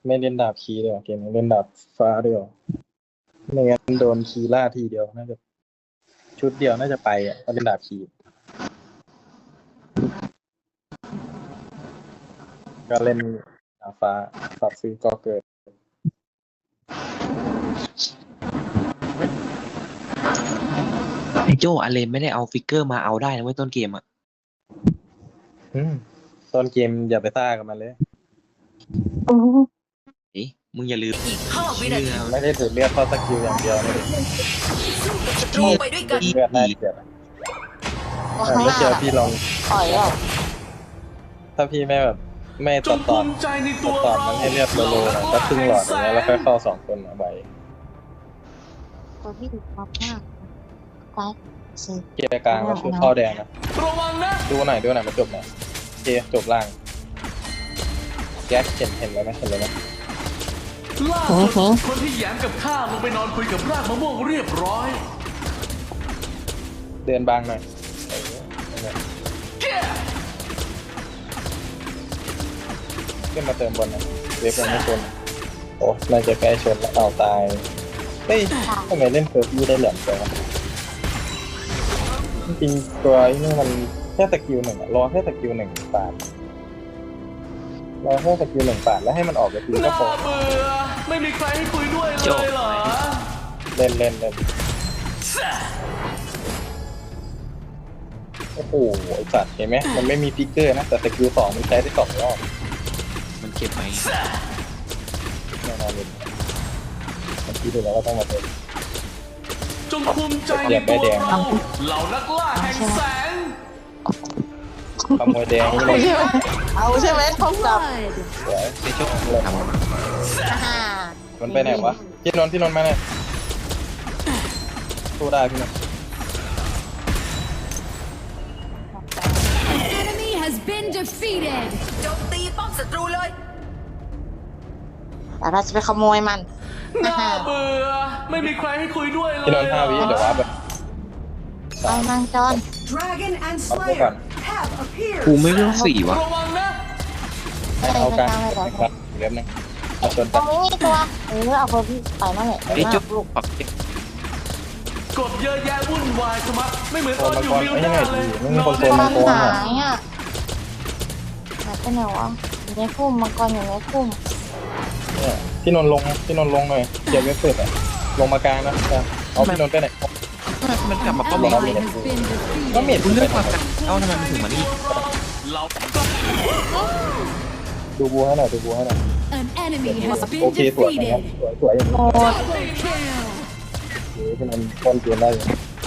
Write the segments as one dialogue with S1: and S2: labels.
S1: ไม่เล่นดาบคีเลยเกมนี้เล่นดาบฟ้าด้วยไม่งั้นโดนคีล่าทีเดียวน่าจะชุดเดียวน่าจะไปก็เล่นดาบคีก็เล่นดาบฟ้าฝากซื้อก็เกิด
S2: ไอโจอาเลนไม่ได้เอาฟิกเกอร์มาเอาได้นะเว้ยต้นเกมอ่ะ
S1: ต้นเกมอย่าไปซ่ากับมันเลย
S2: มึงอย่าลืม
S3: อีก5 วินาที
S1: ไม่ได้ถือเลือดเข้าสกิลอย่างเดียวเลย
S3: ศัตรูไปด้วยกัน
S1: เลือดน่าเกลียดไม่เจอพี่ลอง
S4: ต่อยอ่ะ
S1: ถ้าพี่ไม่แบบไม่ตัดตอนมันให้เลือดโลๆหน่อยก็ครึ่งหลอดอย่างเงี้ยแล้วค่อยเข้า2 คนใบ
S4: ตัวพี่ดูมากมากไปสิ
S1: เกียร์กลางก็คือเข้าแดงนะดูหน่อยมาจบหน่อยโอเคจบล่างแก๊กเห็นเลยไหม
S5: ล่าสุดคนที่แย้มกับข้าลงไปนอนคุยกับรากมะม่วงเรียบร้อย
S1: เดินบางหน่อยขึ้นมาเติมบนนะเวฟยังไม่ชนโอ้น่าจะใกล้ชนแล้วเอาตายเฮ้ยทำไมเล่นเฟิร์สยูได้เหลี่ยมจังจริงๆตัวนี้มันแค่สกิล1รอแค่สกิล1 ปาดรอแค่สกิล1 ปาดแล้วให้มันออกไปทีก็พอ
S5: เบื่อไม่มีใครให้คุยด้วยเลยเหรอ
S1: เล่นโอ้โหไอ้สัตว์เห็นไหมมันไม่มีฟิกเกอร์นะแต่สกิล2มันใช้ได้2 รอบ
S2: มันเก็บไว้
S1: แน่นอนเลยมันคิดดูแล้วว่าต้องมาเป็น
S5: จงภูมิใจในตัวเราเหล่านักล่าแห่งแสง
S1: ขโมยแดงนี่เลย
S4: เอาใช่ไหมท้องจับ
S1: สวยที่ชุดเลยมันไปไหนวะพี่นนท์มาเนี่ยสู้ได้พี่นนท์
S3: Enemy has been defeated โจมตีป้อมศัตรูเลย
S4: แต่เราจะไปขโมยมัน
S5: น่าเบื่อไม่มีใครให้คุยด้วยเลย
S1: พี่นนท์5 วิเดี๋ยวว่าแบบ
S4: เอานางจอน
S2: กูไม่รู้4วะ
S1: เอาการครับเริ่มนึงเอาชน
S4: ตรงนี้มีตัวเอาคนที่ไปนั่นแหละ
S2: ไอ้จุ๊บปักเก็บ
S5: กดเยอะแยะวุ่นวายสมัครไม่เหมือนตอนอยู่มิวด้เลย
S1: นอนได้
S4: มันหายอ่ะหายไปไหนวะอยู่ในพุ่มมังกรอยู่ในพุ่ม
S1: เนี่ยพี่นนท์ลงหน่อยเก็บไว้เปิดอ่ะลงมากลางนะเอาพี่นนท์ไปไหน
S2: มันกลับมาป้อมเรา
S1: ก็เม็ด
S2: คุณเลือกความกันเอ้าทำไมมันถึงมานี่
S1: ดูบัวให้หน่อยโอเคสวยนะครับสวยอย่างนี้พี่นนท์ต้นเกมได้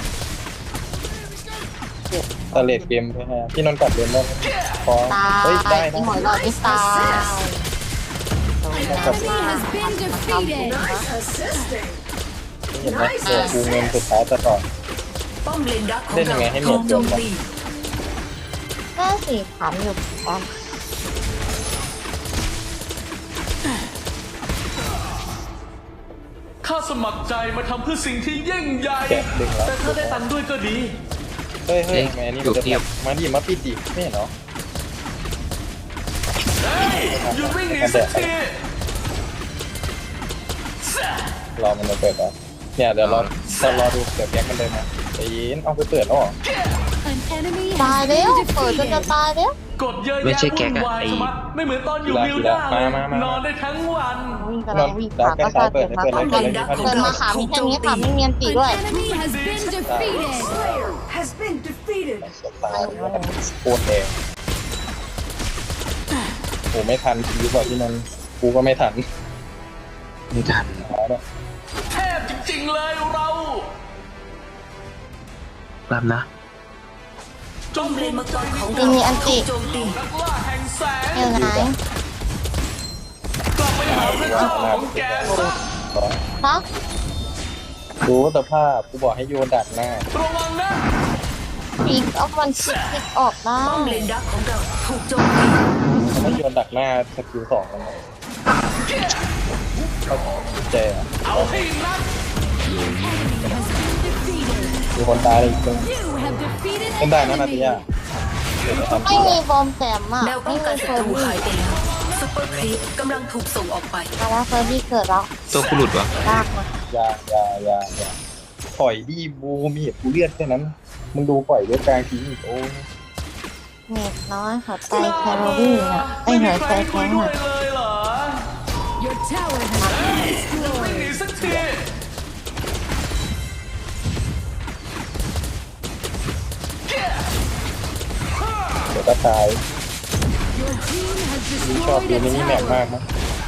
S1: ตะเลดเกมใช่ไหมพี่นนท์กลับเกมได้พอเฮ้ยได้นะ
S4: หอยหลอดไม่ตาย
S1: เห็นไหมกูเงินสุดท้ายจะต่อเล่นยังไงให้เมียเกินวะ
S4: น่าสิถามอยู่กัน
S5: ข้าสมัครใจมาทำเพื่อสิ่งที่ยิ่งใหญ่แต่ถ้าได้ตังค์ด้วยก็ดี
S1: เฮ้ยแม่นี่จะมาดิมาปิดดิไม่เห็นเหรอ
S5: หยุดวิ่งหนีสักที
S1: รอมันจะเปิดอ่ะเนี่ยเดี๋ยวรอดูเดี๋ยวแก๊กมันเลยนะแต่ยินเอาไปเปิดแล้วหรอ
S4: ตายแล้วเปิดจนจะตายแล้ว
S5: กดเยอะแยะวุ่นวายไม่เหมือนตอนอยู่วิวด้านอนได้ทั้งวัน
S4: วิ่งขาก็ตายเปิดมาขามีแค่นี้ขาไม่เมียนตีด้วย
S1: โคตรแดงโอ้ไม่ทันทีบอกที่นั่นกูก็ไม่ทัน
S5: แทบจริงๆเลยเรา
S2: ตามนะ
S5: จงเรียนมาก่อนของเรา
S4: มีอันติ
S5: นักล่าแห่งแสง
S4: ยังไง
S5: กลับไปหาพระเจ้าของแก
S4: ฮะ
S1: ดูสภาพกูบอกให้โยนดักหน้า
S5: ระวังนะ
S4: ปีกเอามันชิกออกได้
S3: ป้อมเลนดักของเราถูกโจมตี
S1: ให้โยนดักหน้าสกิล2แล้วเจ๊
S5: เอาให้นัด
S1: มีคนตายอีกคนเป็นได้นะนาติยา
S4: ไม่มีบอมแต้มอ่ะ
S3: แนวป้องกันศัตรูหายไปแล้ว
S6: ซุปเปอร์ครีปกำลังถูกส่งออกไป
S4: มาแล้วเฟอร์บี้เกิดแล้ว
S2: ตัวกูหลุดวะ
S4: ลากมา
S1: อย่าปล่อยดิบูมีกูเลือดแค่นั้นมึงดูปล่อยเลือดกลางทิ้งอีกโอ้
S4: เน็ตน้อยหัวใจแคลอรี่อ่ะไอหัวใจแข็ง
S5: ด้วย
S4: อ่ะ
S5: เลยเหรอ
S3: Your tower has been
S5: ไม่
S3: destroyed.
S5: หนีสักที
S1: เดี๋ยวก็ตาย
S3: Your team has
S1: ชอบ
S3: destroyed
S1: ดู
S3: a
S1: มินิแมป
S3: tower.
S1: มากนะ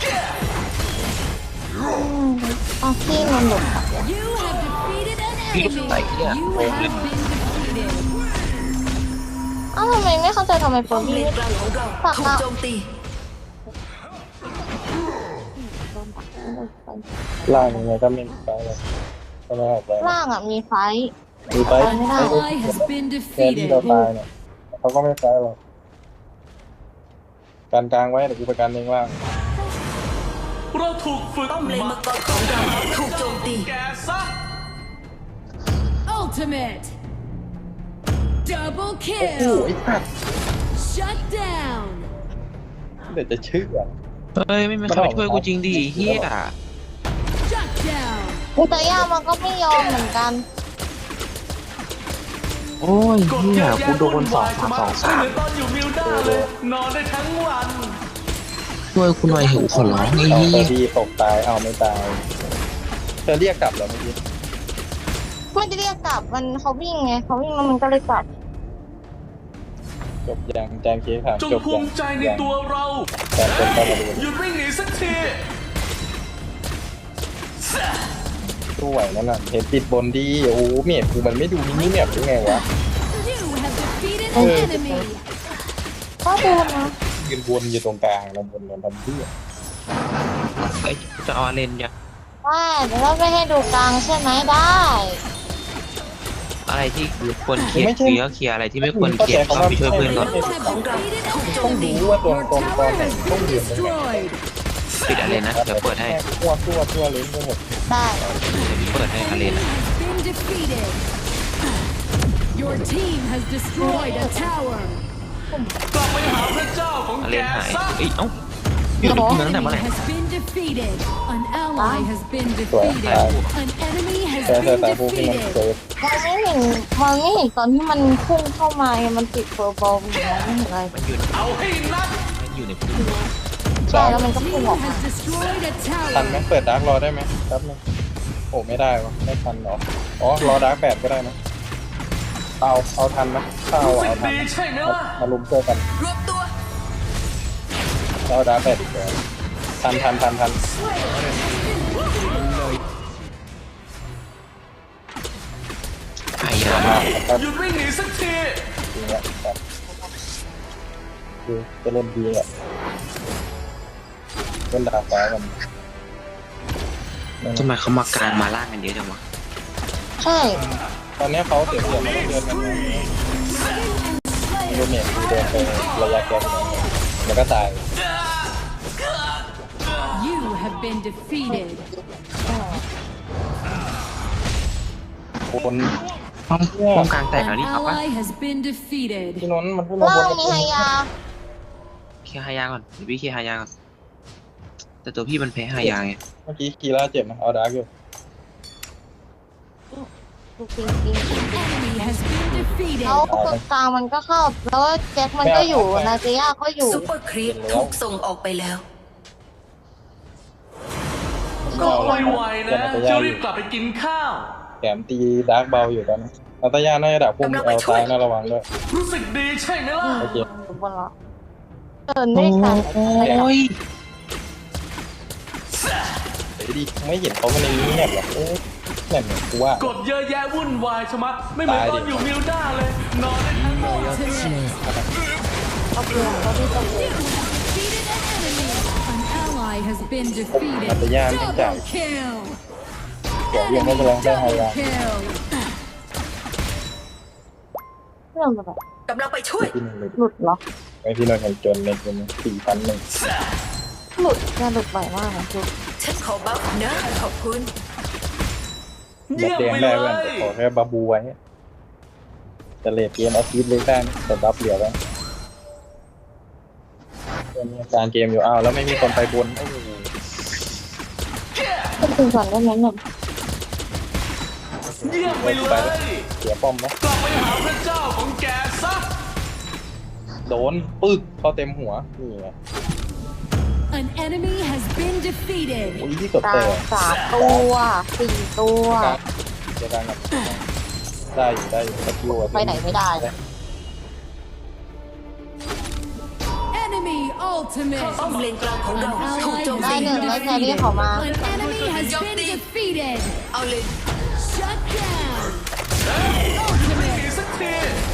S4: เอาขี้มันหลุดอ่ะ
S3: You have defeated an
S2: พี่
S3: enemy.
S2: ไหนเนี่ย
S3: You
S2: โอ้
S3: have
S2: เลย
S3: been defeated.
S4: อ้าวทำไมไม่เข้าใจทำไมเฟอ
S6: ป้อม
S4: ร์
S6: เล
S4: บี้
S6: นกลางของเราถูกโจมตี
S1: ล่างยังไงก็ไม่ไปเลยก็ไม่ออกไป
S4: ล่างอ่ะมีไฟท์
S1: ดูไป
S4: ไม่ได้
S3: Ally has been
S1: แค่ที่เรา
S3: defeated.
S1: ตายเนี่ยเขาก็ไม่ไปหรอกการกลางไว้เดี๋ยวกูไปกันเองล่าง
S5: เราถูกฝึก
S6: ป้อมเลน
S5: มา
S6: มังกรของเราถูกโจมตี
S5: แกซะ
S3: Ultimate. Double
S1: โอ้โห
S3: kill.
S1: ไอ้สัตว์
S3: Shut down.
S1: เดี๋ยวจะเชื่อ
S2: เฮ้ยไม่มีใครมาช่วยกูจริงดิเฮีย
S3: Shut down.
S4: แต่ย่ามันก็ไม่ยอมเหมือนกัน
S2: โอ้ย
S5: กด
S2: เฮี
S5: เย
S2: ย
S5: อะแยะ
S2: กูโด
S5: วุ่
S2: น
S5: น
S2: สอ
S5: วาง ย
S2: สาม
S5: มา
S2: สอง
S5: ไม่
S2: สาม
S5: เหมือนตอนอยู่มิวด้าเลย นอนได้ทั้งวัน
S2: ช่วยกูหน่อยเหอะขอร้องไอ้
S1: เอา
S2: เฮี
S1: เฟอย ร์บี้ตกตายเอาไม่ตายเธอเรียกกลับเหรอเมื่อกี้
S4: ไม่ได้เรียกกลับมันเขาวิ่งไงเขาวิ่งแล้วมันก็เลยกลับ
S1: จบยังแจงเคสถาม
S5: จง
S1: จบ
S5: ภู
S1: ยัง
S5: มิใจในตัวเรา
S1: แจงคนเข้ามาดู
S5: หยุดวิ่งหนีสักที
S1: สู้ไหวนั่นน่ะเห็นปิดบนดีโอ้โหเมียกูมันไม่ดูมินิแมปหรือไงวะ
S3: You have defeated
S1: Oh.
S3: an enemy.
S4: ก็ดูนะ
S1: ยืนวนอยู่ตรงกลางแล้วบนกันทำเพื่อ
S2: ไอ้จะเอาอาเลนยัง
S4: ว่าเดี๋ยวเราไปให้ดูกลางใช่ไหมได้
S2: อะไรที่ควรเคลียร์เคลียร์เคลียร์อะไรที่ไม่ควรเคลียร์ก็ไปช่วยเพื่อนก่อน
S3: You have defeated an
S1: ต้อง
S3: enemy.
S1: รู้ว่าตรง
S3: Your
S1: ตรงต
S3: tower
S1: อนไหน
S3: has
S1: ต้อง
S3: been
S1: ยืนตรงไหน
S3: destroyed.
S2: ปิดอาเลนนะเดี๋ยวเปิดให้
S1: ทั่วเลยไปหมด
S4: ได้
S2: เปิดให้อาเลน
S3: Has
S2: นะ
S3: been defeated. Your team has destroyed a tower.
S5: กลับไปหาพระเจ้าของ
S2: อาเล
S5: แก
S2: นหาย
S5: ซะ
S2: เอ้ยเอ้าพี่หลุดตั้งแต่
S3: Enemy
S2: เมื่อไหร่
S3: has been defeated. An ally has been defeated. An enemy has
S1: แต่
S3: been
S1: ตาผู้ที่มัน
S3: defeated.
S1: เซฟ
S4: มันไม่เห็นตอนที่มันพุ่งเข้ามาไงมันติดเฟอร์บอลอยู่มองไม่เห็นอะไร
S2: มันอยู่
S5: เอาให้นัก
S2: มันอยู่ในพื้น
S4: ใช่แล้วมันก็
S3: Your
S4: พุ่ง
S3: team
S4: ออกมา
S3: has destroyed a
S1: ทันไหม
S3: tower.
S1: เปิดดาร์กรอได้ไหมครับนึงโอ้ไม่ได้วะไม่ทันหรออ๋อรอดาร์ก8ก็ได้นะเอาทันนะถ้าเอา
S5: รู้สึก
S1: เอาทัน
S5: ดี
S1: นะ
S5: ใช่ไหมล่ะ
S1: มาลุมเจอกัน
S6: รวบตัว
S1: เอาดาร์ก8อีกแล้วทัน
S2: ไอ้ยา
S1: ครับ
S5: หยุดวิ่งหนีสักที
S1: จริงอ่ะครับคือจะเล่นดีอ่ะเล่นดาร์กฟ้ากัน
S2: ทำไมเขามากลางมาล่างกันเยอะจังวะ
S4: ใช่
S1: ตอนนี้เขาเสียเปรียบมาเดินกันไงดูเมียดูเดินไประยะแกนแล้วก็ตาย
S3: You have been defeated.
S1: คน
S2: ป้องกลางแตก
S3: An
S2: แล้วนี่เอาปะ
S3: ally has been defeated.
S1: ที่นนมันขึ้นมา
S4: ล่า
S1: บ
S4: ง
S1: น
S4: มีไฮยา
S2: เคลียร์ฮายาก่อนเดี๋ยวพี่เคลียร์ฮายาก่อนแต่ตัวพี่มันแพ้ฮายาไง
S1: เมื่อกี้คีร่าเจ็บนะเอาดาร์กอยู่
S4: ดูจริงจริง
S3: Enemy has been defeated.
S4: แล้วตรงกลางมันก็เข้า แล้วแจ็คมันก็อยู่นาเจียก็อยู่
S6: ซุปเปอร์ครีปถูกส่งออกไปแล้ว
S5: ก็ไวๆนะจะรีบกลับไปกินข้าว
S1: แถมตีดาร์กเบาอยู่ตอนนี้นาตาย่าน่าจะดักพุ่มเอาซ้ายน่าระวังด้วย
S5: รู้สึกดีใช่ไหมล่ะ
S1: โอเค
S4: บนละเดินด้วยกัน
S2: โอ้ย
S1: เดี๋ยวดิไม่เห็นเขามาในนี้แนบหรอกเนี่ยกูว่าก
S5: ดเยอะแยะวุ่นวายชะมัดไม่เหมือนตอนอยู่มิวด้าเลย นอนได้ทั้งวัน
S3: Ultimate.
S4: เอาเปลือกเขาที่ตะเกียบ
S3: Defeated an enemy. An ally has been
S1: นาตา
S3: defeated.
S1: ย่าไม่จ่าย
S3: Double kill.
S1: เดี๋ยวยังไม่จะลองได้ไฮ
S3: Double
S1: ไลท์
S3: kill.
S4: เรื่องแบบ
S6: กำลังไปช่วย
S1: พี่นนท์เลย
S4: หลุดเหรอ
S1: ไอพี่นนท์ยังจนเลยเป็น4,100
S4: หลุดแค่หลุดบ่อยมากนะคือ
S6: ฉันขอบัฟนะ ขอบคุณ
S1: แบ
S5: เยี่
S1: บ
S5: ยม
S1: แดง
S5: ไป
S1: ได้
S5: เล
S1: เว้ย
S5: ย
S1: ขอแค่บาบูไว้จะเลดเกมเอาชีวิตเลยได้แต่รับเหลือแล้วเป็นการเกมอยู่อ้าวแล้วไม่มีคนไปบนโอ้โห
S4: ก็คือก่อนได้ไหมเนี่ย
S5: เยี่ยมไปเลย
S1: เสียป้อมนะ
S5: กลับไปหาพระเจ้าของแกซะ
S1: โดนปึ๊กเข้าเต็มหัวนี่ไง
S3: An enemy has been defeated.
S1: อุ้ยที่กด
S4: ตา
S1: แต่
S4: ย3 ตัว 4 ตัว
S1: เจอกันกับได้อยู่สกิลอะ
S4: ไปไหนไม่ได้เลย
S3: Enemy
S6: ป้อม
S3: ultimate.
S6: เลนกลางของเราถูกโจม
S4: ได้
S6: ตี
S4: หนึ่งได้แครี่เขามา
S3: An enemy has been defeated.
S6: เอาเลย
S3: Shut down.
S5: ไม่หนีสักที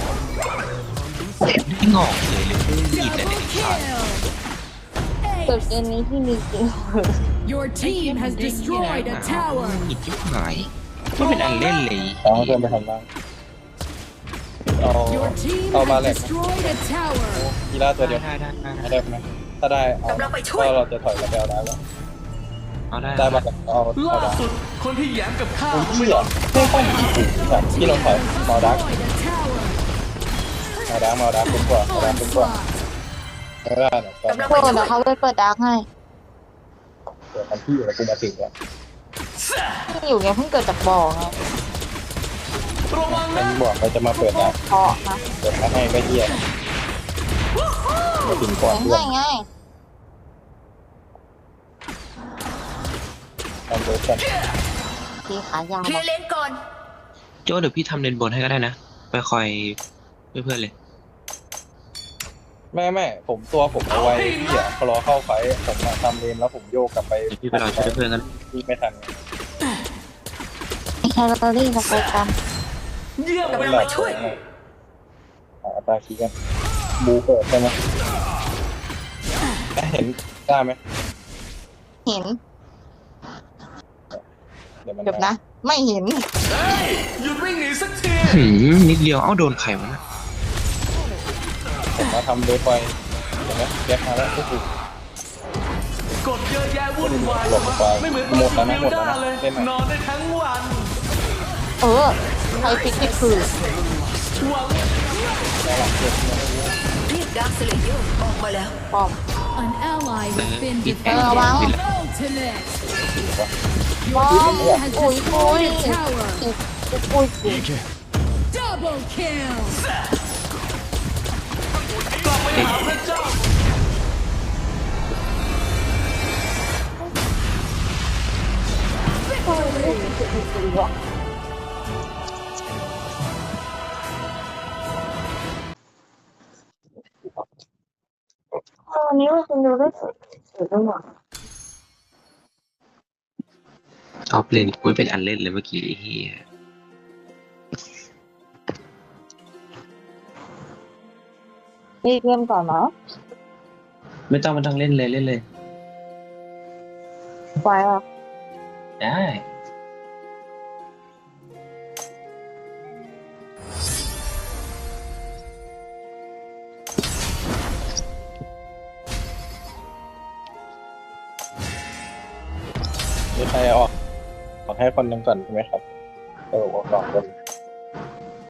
S2: ไม่งอกเลยรีบเลย
S3: Double kill.
S4: จุดเกมนี้ที่มีจริง
S3: Your team has destroyed a tower.
S2: หยิบที่หายไม่เป็นอันเล่นเลย
S1: เอาเพื่อนไปทำบ้างเอา
S3: Your team
S1: เอามา
S3: has
S1: แหลก
S3: destroyed a tower.
S1: กีฬาตัวเดียว
S2: ได้
S1: ได้ไหมถ้าได้เอาก็เราจะถอยกระเบลได้แล้ว
S2: เอาได้
S1: ได้มาเอา
S5: ล่า
S1: ได้
S5: สุดคนที่แย้มกับข้า
S1: โอ้ย
S5: ไม่
S1: เหี้
S5: น
S1: ย
S5: อน
S1: ไม่ต้องแบบที่เราถอย
S3: Has
S1: มาดัก
S3: destroyed a tower.
S1: มาดักเป็นกว่าเป็นกว่า
S3: Onslaught.
S1: ไม่ได้เนี่ย
S6: กำลัง
S4: โท
S6: ไป
S4: ษ
S6: ช่ว
S4: เดี๋ย
S6: ยว
S4: เขาไปเปิดดาร์กให้
S1: เดี๋ยวกันที่อยู่แล้วกูมาถึงแล้ว
S4: ที่อยู่ไงเพิ่งเกิดจากบ่อไง
S5: ระวัง
S1: มั
S5: นะ
S1: นบอกเราจะมาเปิดนะ
S4: เพาะนะ
S1: เปิดมาให้ก็เหี้ยมาถึงก่อนเพื่อน
S4: ง่าย
S1: ทำเวิร์ชัน
S4: ๆทีขายาว
S6: เคลียร์เลนก่อน
S2: โจ้เดี๋ยวพี่ทำเลนบนให้ก็ได้นะ ไปคอยเพื่อนๆเลย
S1: ไม่ผมตัวผมเอาไว้เหี้ยพอรอเข้าไฟผมมาทำเลนแล้วผมโยกกลับไป
S2: เดี๋ยวพี่ไปรอช่วยเพื่อนกัน
S1: ที่ไม่ทัน
S4: แคลอรี่เราไปกัน
S5: เยี่ยมไป
S6: กำลัง
S5: เล
S6: ไป
S5: ย
S6: ช่วย
S1: หาตาคีกันบูเปิดใช่ไหมเห็นได้ไหม
S4: เห็น
S1: เดี๋ยวมัน
S4: เดี๋ยวนะ ไม่เห็น
S5: เฮ้ยหยุดวิ่งหนีสักที
S2: นิดเดียวเอ้าโดนไข่วะนะ
S1: ผมมาทำเดฟไฟเห็นไหมแยกมาแล้วก็คือก
S5: ดเยอะแยะวุ่นวาย
S1: หลบไป
S5: ไม่เหมือนตอนอยู่มิวด้าเลย
S1: เล่นไหม
S5: นอนได้ทั้งวัน
S4: เออใครฟิกที่คือ
S5: หวัง
S6: เรียกดาร์คสเลเยอร์ออกมาแล้ว
S4: ปอม
S3: An ally has been
S4: Ờ, báo.
S3: defeated. Ultimate.
S4: ปอ
S3: Your
S4: ม
S3: team has
S4: อุ้ยอุ้ย
S3: destroyed a tower.
S4: อุ้ย
S3: Double kill.
S5: กลับไปหาพระเจ้า
S4: วันนี้ว่าคุณดูได้สวยจังหวะ
S2: เอาเลนกูเป็นอันเล่นเลยเมื่อกี้ไอ้เฮีย
S4: รีบเริ่มก่อนเนาะ
S2: ไม่ต้องเล่นเลย
S4: ไฟอ่ะ
S2: ได้
S1: มีใครออกให้คนหนึงก่อนใช่ไหมครับออกก่อนคน